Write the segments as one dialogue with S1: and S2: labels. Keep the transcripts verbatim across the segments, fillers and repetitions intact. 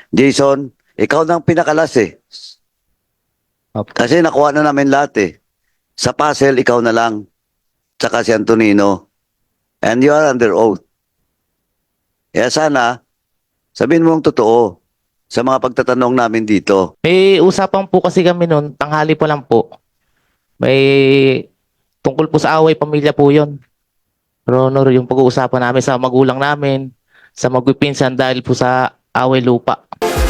S1: Jason, ikaw nang pinakalas eh.
S2: Opo.
S1: Kasi nakuha na namin lahat eh. Sa puzzle, ikaw na lang. Tsaka si Antonino. And you are under oath. Kaya sana, sabihin mo ang totoo sa mga pagtatanong namin dito.
S2: May usapan po kasi kami noon, tanghali pa lang po. May tungkol po sa away pamilya po yon. Pero honor, yung pag-uusapan namin sa magulang namin, sa magpipinsan dahil po sa away lupa.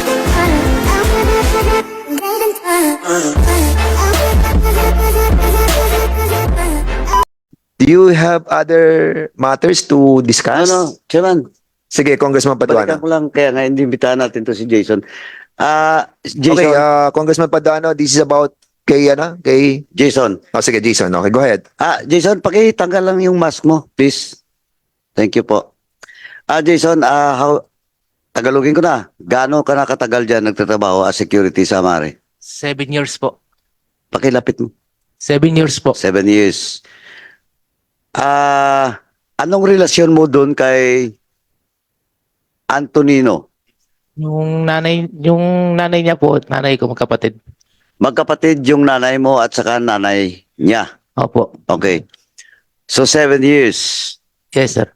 S3: Do you have other matters to discuss?
S1: Ano, Chairman,
S3: Sige, Congressman
S1: balikan
S3: Paduano.
S1: ko lang kaya nga hindi imbitahan natin to si Jason. Ah, Jason,
S3: Okay, uh, Congressman Paduano, this is about kay, ano, kay...
S1: Jason.
S3: Oh, sige, Jason. Okay, go ahead.
S1: Ah, Jason, pakitanggal lang yung mask mo, please. Thank you po. Ah, Jason, ah, how, Tagalogin ko na. Gaano ka nakatagal dyan nagtatrabaho as security sa Mare?
S2: Seven years po.
S1: Pakilapit mo.
S2: Seven years po.
S1: Seven years. Ah, anong relasyon mo doon kay Antonino?
S2: Yung nanay, yung nanay niya po, nanay ko magkapatid.
S1: Magkapatid yung nanay mo at saka nanay niya.
S2: Opo.
S1: Okay. So, seven years.
S2: Yes, sir.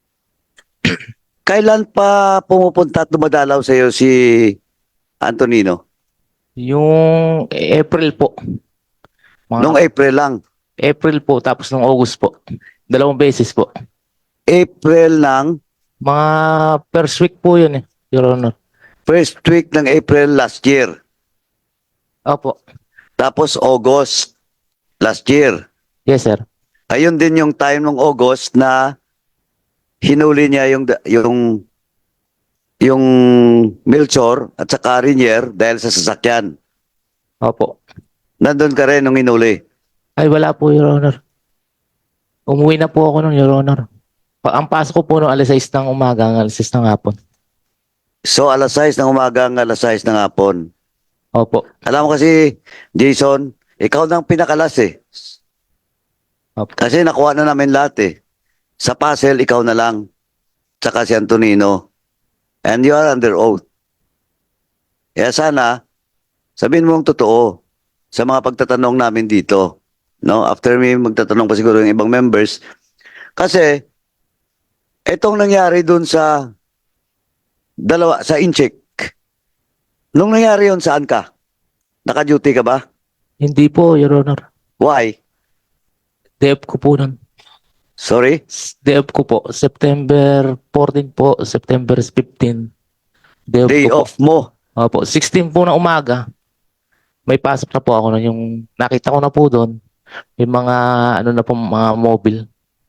S1: Kailan pa pumupunta at dumadalaw sa iyo si Antonino?
S2: Yung April po. Mga
S1: Nung April lang.
S2: April po, tapos nung August po. Dalawang beses po.
S1: April ng,
S2: Mga first week po yun eh, Your Honor.
S1: first week ng April last year.
S2: Opo.
S1: Tapos August last year.
S2: Yes, sir.
S1: Ayun din yung time ng August na hinuli niya yung yung yung Melchor at saka Rinier dahil sa sasakyan.
S2: Opo.
S1: Nandun ka rin nung hinuli.
S2: Ay, wala po, Your Honor. Umuwi na po ako nun, Your Honor. Pa ang pasok ko po nung alas sais ng umaga, ang alas sais ng hapon.
S1: So alas sais ng umaga hanggang alas sais ng hapon.
S2: Opo.
S1: Alam mo kasi, Jason, ikaw nang pinakalas eh.
S2: Opo.
S1: Kasi nakuha na namin lahat eh. Sa puzzle, ikaw na lang. Tsaka si Antonino. And you are under oath. Kaya sana, sabihin mo ang totoo sa mga pagtatanong namin dito. No? After me, magtatanong pa siguro yung ibang members. Kasi, itong nangyari dun sa dalawa, sa Incheck. Nung nangyari yun, saan ka? Naka-duty ka ba?
S2: Hindi po, Your Honor.
S1: Why?
S2: D F ko po nun.
S1: Sorry?
S2: D F ko po. September fourteen po, September fifteen. D F
S1: Day
S2: ko po.
S1: off mo.
S2: Opo. sixteen po na umaga. May pasok na po ako nun. Yung nakita ko na po doon. May mga, ano na po, mga mobile.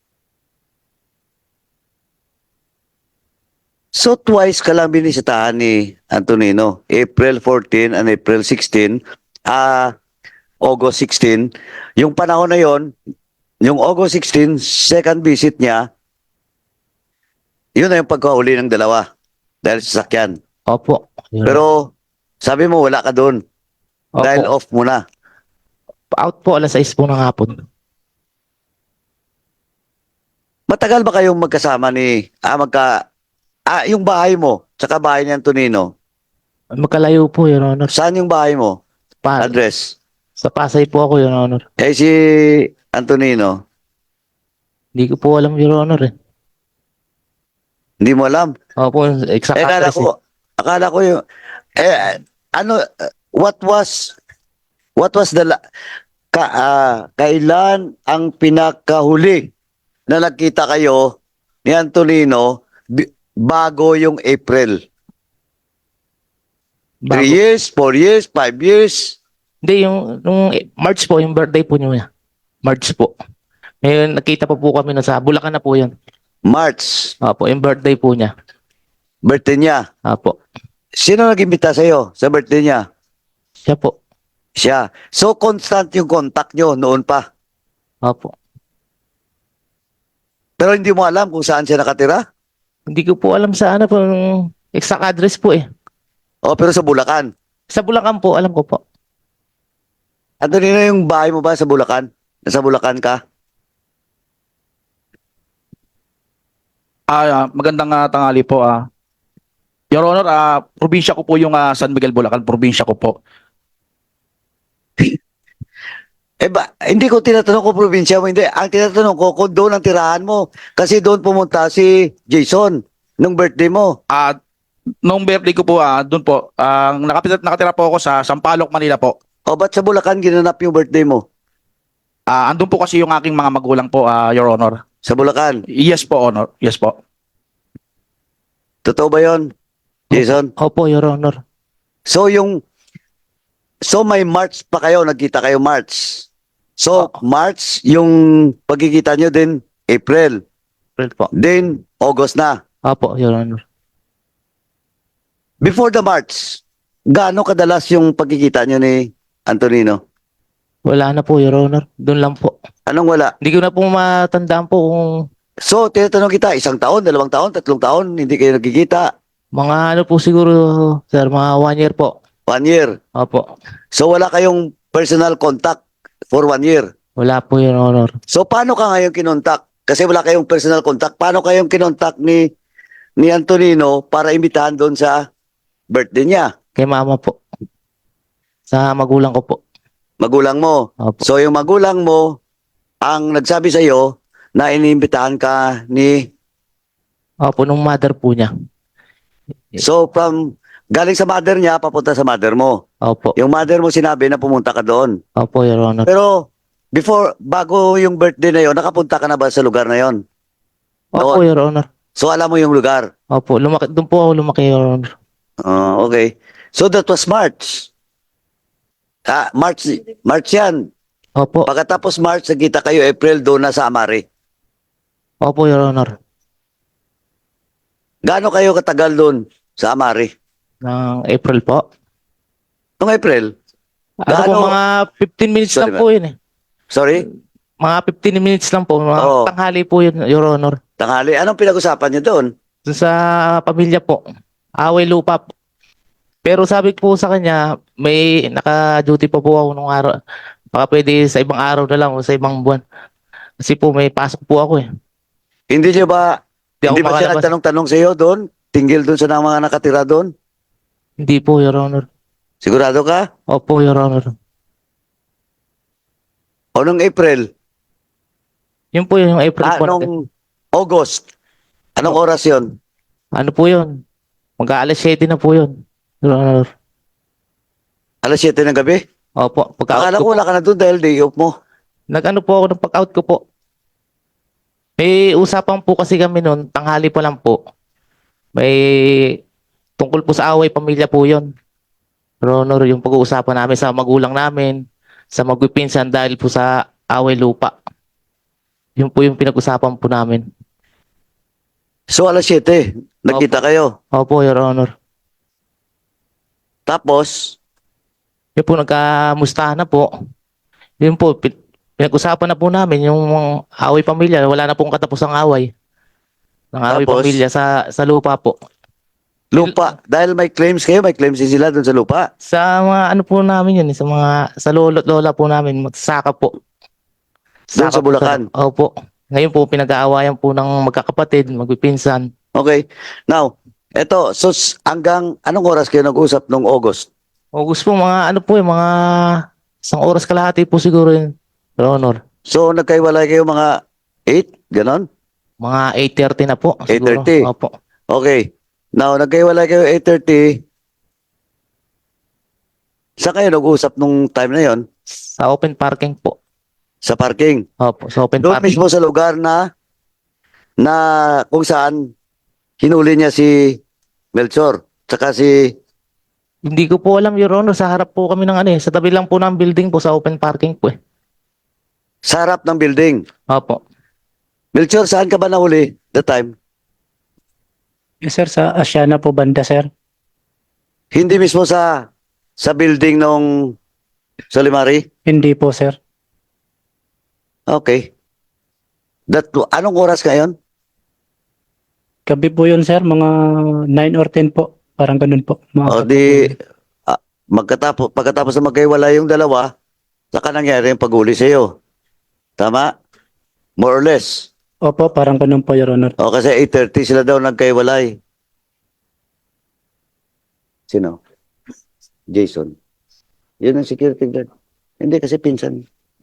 S1: So twice ka lang binisitahan ni Antonino. April fourteen and April sixteen. Ah, August sixteen. Yung panahon na yon, yung August sixteen, second visit niya, yun na yung pagkahuli ng dalawa. Dahil sa sakyan.
S2: Opo. Your
S1: Pero sabi mo wala ka doon.
S2: Opo.
S1: Dahil off mo na.
S2: Out po alas sais po ng hapon.
S1: Matagal ba kayong magkasama ni, ah, magka, ah, yung bahay mo, tsaka bahay ni Antonino.
S2: Magkalayo po, Your Honor.
S1: Saan yung bahay mo?
S2: Pa
S1: Address.
S2: sa Pasay po ako, Your Honor.
S1: Eh si Antonino,
S2: Hindi ko po alam, Your Honor eh.
S1: hindi mo alam.
S2: Opo, exact
S1: Eh, akala
S2: address eh.
S1: ko, akala ko yung, eh, ano, uh, what was, what was the, la- ka, ah, kailan ang pinakahuli na nagkita kayo ni Antonino bi- bago yung April?
S2: Bago.
S1: Three years, four years, five years?
S2: Hindi, yung, nung March po, yung birthday po niya. March po. Ngayon, nakita pa po kami na sa Bulacan na po yun.
S1: March,
S2: Opo, yung birthday po niya.
S1: birthday niya.
S2: Opo.
S1: Sino nag-imbita sa'yo sa birthday niya?
S2: Siya po.
S1: Siya. So, constant yung contact nyo noon pa.
S2: Opo.
S1: Pero hindi mo alam kung saan siya nakatira?
S2: Hindi ko po alam sa ano po, yung exact address po eh.
S1: O, pero sa Bulacan.
S2: Sa Bulacan po, alam ko po.
S1: Antonino, yung bahay mo ba sa Bulacan? Nasa Bulacan ka?
S4: Ah, magandang ah, tanghali po. Ah. Your Honor, ah, probinsya ko po yung ah, San Miguel, Bulacan. Probinsya ko po.
S1: Eh ba, hindi ko tinatanong kung probinsya mo, hindi. Ang tinatanong ko kung doon ang tirahan mo. Kasi doon pumunta si Jason nung birthday mo.
S4: Ah, nung birthday ko po, ah, doon po, ang nakatira, nakatira po ako sa Sampaloc, Manila po.
S1: O ba't sa Bulacan ginanap yung birthday mo?
S4: Ah, andun po kasi yung aking mga magulang po, ah, Your Honor.
S1: Sa Bulacan.
S4: Yes po, Honor. Yes po.
S1: Totoo ba yon, Jason?
S2: Opo, Your Honor.
S1: So yung So may March pa kayo, nagkita kayo March. So March yung pagkikita nyo din April,
S2: April po.
S1: then August na.
S2: Opo, Your Honor.
S1: Before the March, gaano kadalas yung pagkikita nyo ni Antonino?
S2: Wala na po, Your Honor. Doon lang po.
S1: Anong wala?
S2: Hindi ko na po matandaan po kung
S1: So tinatanong kita, isang taon, dalawang taon, tatlong taon, hindi kayo nagkikita.
S2: mga ano po siguro, sir, mga one year po.
S1: One year.
S2: Opo.
S1: So wala kayong personal contact for one year.
S2: Wala po, Your Honor.
S1: So paano ka ngayon kinontak? Kasi wala kayong personal contact. Paano kayong kinontak ni ni Antonino para imbitahan doon sa birthday niya?
S2: Kay mama po. Sa magulang ko po.
S1: Magulang mo.
S2: Opo.
S1: So yung magulang mo ang nagsabi sa iyo na iniimbitahan ka ni
S2: Opo, nung mother po niya.
S1: So from galing sa mother niya papunta sa mother mo.
S2: Opo.
S1: Yung mother mo sinabi na pumunta ka doon.
S2: Opo, Your Honor.
S1: Pero before bago yung birthday na yon, nakapunta ka na ba sa lugar na yon?
S2: Opo, Your Honor.
S1: So alam mo yung lugar.
S2: Opo, lumaki, doon po ako lumaki, Your Honor.
S1: Ah, okay. So that was March. Ah, March, March yan.
S2: Opo.
S1: Pagkatapos March, nagkita kayo April doon na sa Amari.
S2: Opo, Your Honor.
S1: Gaano kayo katagal doon sa Amari?
S2: Ng April po.
S1: Noong April?
S2: Ano po,
S1: Gaano-
S2: mga fifteen minutes
S1: Sorry,
S2: lang po yun eh.
S1: Sorry?
S2: Mga fifteen minutes lang po. Mga
S1: Oo.
S2: tanghali po yun, Your Honor.
S1: Tanghali. Anong pinag-usapan niyo doon?
S2: Doon sa pamilya po. Away lupa po. Pero sabi ko po sa kanya, may naka-duty pa po ako nung araw. Baka pwede sa ibang araw na lang o sa ibang buwan. Kasi po may pasok po ako eh.
S1: Hindi niyo ba,
S2: Hindi ako
S1: hindi ba siya
S2: makalabas.
S1: nagtanong-tanong sa iyo doon? Tinggil doon sa mga nakatira doon?
S2: Hindi po, Your Honor.
S1: Sigurado ka?
S2: Opo, Your Honor.
S1: O nung April?
S2: Yun po yung April
S1: Ah,
S2: po.
S1: nung August? Anong oras yon?
S2: Ano po yun? Mag-aalas siete na po yun. Your Honor.
S1: Alas siyete ng gabi?
S2: Opo. Pag-out
S1: Akala
S2: ko
S1: ko
S2: po.
S1: wala ka na doon dahil day off mo.
S2: Nag-ano po ako ng pag-out ko po. May usapan po kasi kami noon, tanghali pa lang po. May tungkol po sa away pamilya po yun. Your Honor, yung pag-uusapan namin sa magulang namin, sa magpipinsan dahil po sa away lupa. Yun po yung pinag-usapan po namin.
S1: So alas siyete, nagkita kayo.
S2: Opo, Your Honor.
S1: Tapos,
S2: Yun po, nagkamustahan na po. Yun po, pin- pinag-usapan na po namin yung away pamilya. Wala na pong katapos ang away. Ng away
S1: Tapos?
S2: pamilya sa, sa lupa po.
S1: lupa. Dahil may claims kayo, may claims din sila doon sa lupa.
S2: Sa mga ano po namin yun, eh, sa mga, sa lolo at lola po namin, magsaka po.
S1: Doon sa
S2: po
S1: Bulacan?
S2: Opo. Ngayon po, pinag-aawayan po ng magkakapatid, magpipinsan.
S1: Okay. Now, eto, so s- hanggang anong oras kayo nag-usap nung August?
S2: August po, mga ano po, eh, mga isang oras kalahati po siguro yun, Your Honor.
S1: So nagkaiwalay kayo mga eight, ganon?
S2: Mga eight thirty na po.
S1: eight
S2: siguro.
S1: thirty?
S2: Opo.
S1: Okay. Now, nagkaiwalay kayo eight thirty. Saan kayo nag-usap nung time na yon?
S2: Sa open parking po.
S1: Sa parking.
S2: Opo, sa open
S1: Doon
S2: parking.
S1: mismo sa lugar na na kung saan hinuli niya si Melchor. Tsaka si
S2: Hindi ko po alam, Your Honor. Sa harap po kami ng ano eh. Sa tabi lang po ng building po, sa open parking po eh.
S1: sa harap ng building.
S2: Opo.
S1: Melchor, saan ka ba nahuli that time?
S5: Yes, sir, sa Asiana po banda, sir.
S1: Hindi mismo sa sa building nung Solimari?
S5: Hindi po, sir.
S1: Okay. That, anong oras ngayon?
S5: Gabi po yun, sir. Mga nine or ten po. Parang ganun po. Mga
S1: O di, ah, magkatapos, pagkatapos na magkaiwala yung dalawa, saka nangyari yung paghuli sa iyo. Tama? More or less.
S5: Opo, parang ganun po, Your Honor.
S1: O kasi eight thirty sila daw nagkaiwalay. Sino? Jason. Yun ang security guard. Hindi kasi pinsan.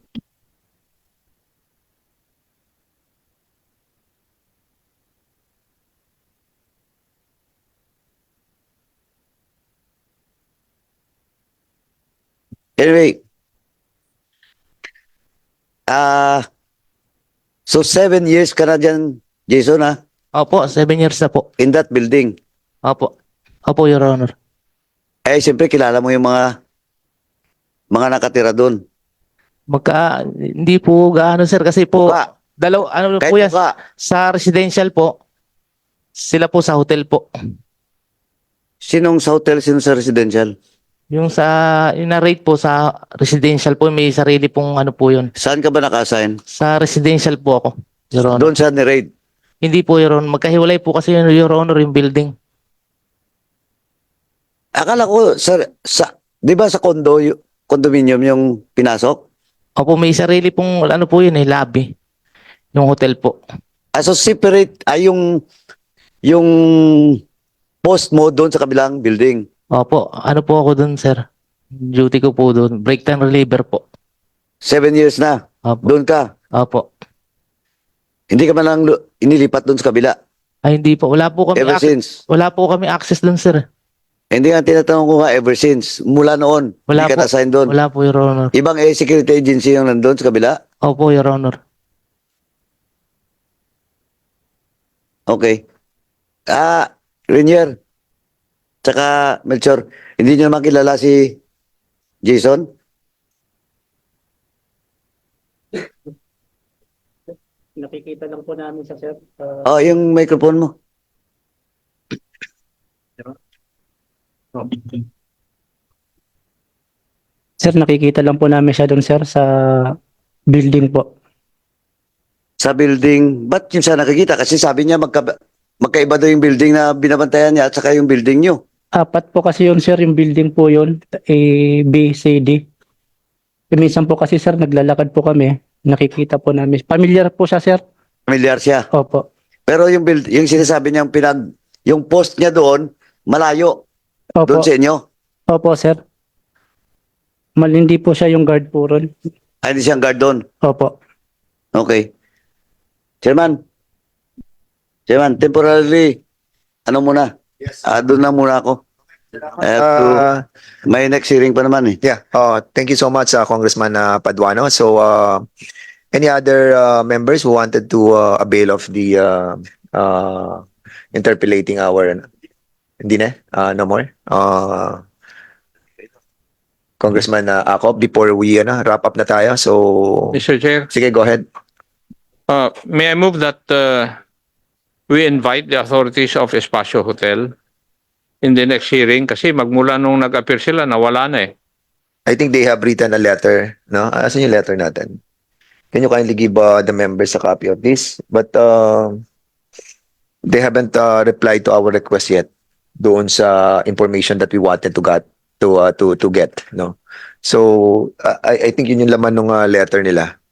S1: Anyway, ah, so seven years ka na dyan, Jason, ha?
S2: Opo, seven years na po.
S1: In that building.
S2: Opo. Opo, Your Honor.
S1: Eh, siyempre, kilala mo yung mga mga nakatira doon.
S2: Magka, hindi po gaano sir kasi po,
S1: Mukha.
S2: dalaw, ano
S1: Kahit
S2: po yan,
S1: mukha.
S2: sa residential po, sila po sa hotel po.
S1: Sinong sa hotel, sinong sa residential?
S2: Yung sa, yung na-rate po sa residential po, may sarili pong ano po yun.
S1: Saan ka ba naka-assign?
S2: Sa residential po ako, Your Honor.
S1: Doon sa ni-raid.
S2: Hindi po, Your Honor. Magkahiwalay po kasi yun, Your Honor, yung building.
S1: Akala ko, sa, sa, di ba sa condo, y- condominium yung pinasok?
S2: Opo, may sarili pong, ano po yun eh, lobby. Yung hotel po.
S1: Ah, so separate, ay yung, yung post mo doon sa kabilang building.
S2: Opo, ano po ako dun, sir? Duty ko po dun. Break time reliever po.
S1: Seven years na.
S2: Opo.
S1: Doon ka.
S2: Opo.
S1: Hindi ka man lang lu- inilipat doon sa kabila.
S2: Ay, hindi po. Wala po kami,
S1: Ever
S2: ac-
S1: since.
S2: wala po kami access dun, sir.
S1: Hindi nga tinatanong ko nga ever since. Mula noon.
S2: Wala
S1: hindi ka
S2: po.
S1: na-assign doon.
S2: Wala po, Your Honor.
S1: Ibang eh, security agency yung nandun sa kabila.
S2: Opo, Your Honor.
S1: Okay. Ah, Rainier. Tsaka Melchor. Hindi nyo naman kilala si Jason?
S5: Nakikita lang po namin sa sir.
S1: Oh, yung microphone mo.
S5: Sir, nakikita lang po namin siya doon sir sa building po.
S1: Sa building. Ba't yun siya nakikita? Kasi sabi niya magka, magkaiba daw yung building na binabantayan niya at saka yung building nyo.
S5: Apat po kasi yun sir, yung building po yun. A, B, C, D. E, minsan po kasi sir, naglalakad po kami. Nakikita po namin. Familiar po siya sir.
S1: Familiar siya.
S5: Opo.
S1: Pero yung build, yung sinasabi niyang pinag, yung post niya doon, malayo.
S5: Opo.
S1: Doon sa inyo.
S5: Opo sir. Malindi po siya yung guard po ron.
S1: Ay, hindi siyang guard doon.
S5: Opo.
S1: Okay. Chairman. Chairman, temporarily, ano muna?
S3: Yes.
S1: Ah, doon na muna ako. I have to,
S3: Uh,
S1: may next hearing pa naman eh.
S3: yeah. Uh, thank you so much, uh, Congressman uh, Paduano. So, uh, any other uh, members who wanted to uh, avail of the uh, uh, interpolating hour? Hindi na? Uh, no more? Uh, Congressman uh, Acop, before we uh, wrap up na tayo. So,
S6: Mister Chair,
S3: sige, go ahead.
S6: uh, may I move that uh, we invite the authorities of Espacio Hotel in the next hearing kasi magmula nung nag-appear sila, nawala na eh.
S3: I think they have written a letter, no? Asan yung letter natin? Can you kindly give uh, the members a copy of this? But uh, they haven't uh, replied to our request yet doon sa information that we wanted to get to uh, to to get, no? So uh, I I think yun yung laman ng uh, letter nila.